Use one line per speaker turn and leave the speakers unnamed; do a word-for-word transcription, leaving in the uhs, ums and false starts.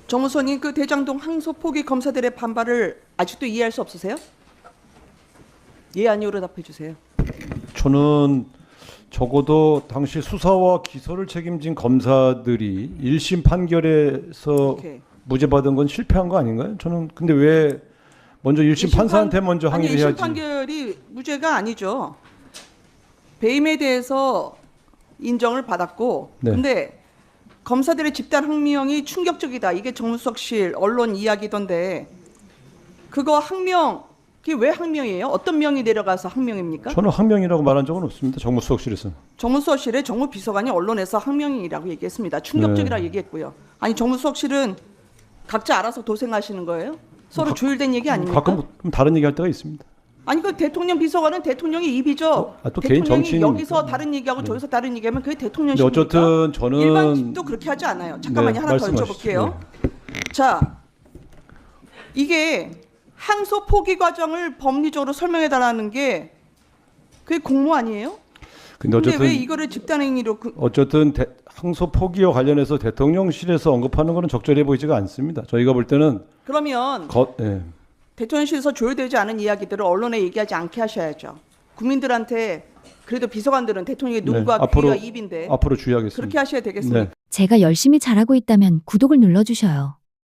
정무수석님, 그 대장동 항소 포기 검사들의 반발을 아직도 이해할 수 없으세요? 예, 아니오로 답해 주세요.
저는 적어도 당시 수사와 기소를 책임진 검사들이 일 심 판결에서
오케이.
무죄 받은 건 실패한 거 아닌가요? 저는 근데 왜 먼저 일 심
일 심
판사한테
판-
먼저
아니,
항의를
일 심
해야지.
판결이 무죄가 아니죠. 배임에 대해서 인정을 받았고,
네.
근데 검사들의 집단 항명이 충격적이다. 이게 정무수석실 언론 이야기던데, 그거 항명, 그게 왜 항명이에요? 어떤 명이 내려가서 항명입니까?
저는 항명이라고 말한 적은 없습니다. 정무수석실에서.
정무수석실에 정무비서관이 언론에서 항명이라고 얘기했습니다. 충격적이라고
네.
얘기했고요. 아니, 정무수석실은 각자 알아서 도생하시는 거예요? 서로
가-
조율된 얘기 아닙니까?
가끔 좀 다른 얘기할 때가 있습니다.
아니, 그 대통령 비서관은 대통령의 입이죠.
아, 또 개인
대통령이
정치인이니까.
여기서 다른 얘기하고
네.
저기서 다른 얘기하면 그게
근데
대통령십니까?
어쨌든 저는
일반직도 그렇게 하지 않아요. 잠깐만요.
네,
하나 더
말씀하시죠.
여쭤볼게요. 자, 이게 항소 포기 과정을 법리적으로 설명해 달라는 게 그게 공모 아니에요?
근데
근데
어쨌든
왜 이거를 집단행위로 그,
어쨌든 대, 항소 포기와 관련해서 대통령실에서 언급하는 것은 적절해 보이지가 않습니다. 저희가 볼 때는
그러면
거, 예.
대통령실에서 조율되지 않은 이야기들을 언론에 얘기하지 않게 하셔야죠. 국민들한테 그래도 비서관들은 대통령의
네,
눈과
앞으로-
귀와 입인데
앞으로 주의하겠습니다.
그렇게 하셔야 되겠습니까?
네.
제가 열심히 잘하고 있다면 구독을 눌러주셔요.